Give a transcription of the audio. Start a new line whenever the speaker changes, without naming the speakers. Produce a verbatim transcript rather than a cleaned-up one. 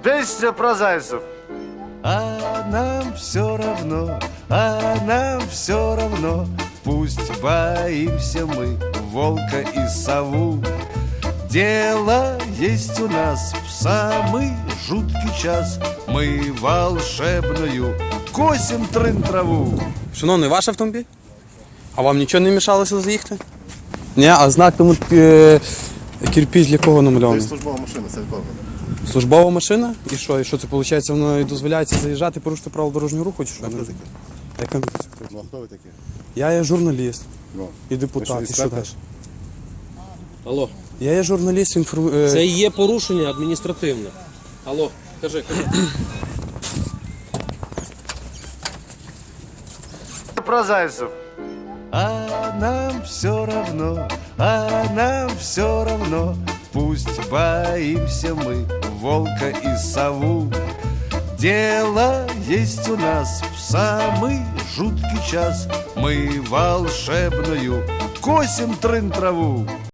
Песня про зайцев.
А нам все равно, а нам все равно, пусть боимся мы волка и сову. Дело есть у нас в самый жуткий час, мы волшебную косим трын траву.
Шановний, ваш автомобіль? А вам нічого не мішалося заїхати? Ні, а знак тому е, кирпич для кого намальований?
Це службова машина, це відповідно.
Службова машина? І що? І що це виходить? Воно і дозволяється заїжджати, порушити правила дорожнього руху чи що?
Хто таке?
Яка?
Ну, а хто ви такі?
Я є журналіст
Ну,
і депутат.
ви
І
що,
що далі?
інспектор?
Алло,
Я є журналіст, інформ...
це є порушення адміністративне. Алло, кажи, кажи.
Про зайцев.
А нам все равно, а нам все равно, пусть боимся мы волка и сову. Дело есть у нас в самый жуткий час, мы волшебную косим трын траву.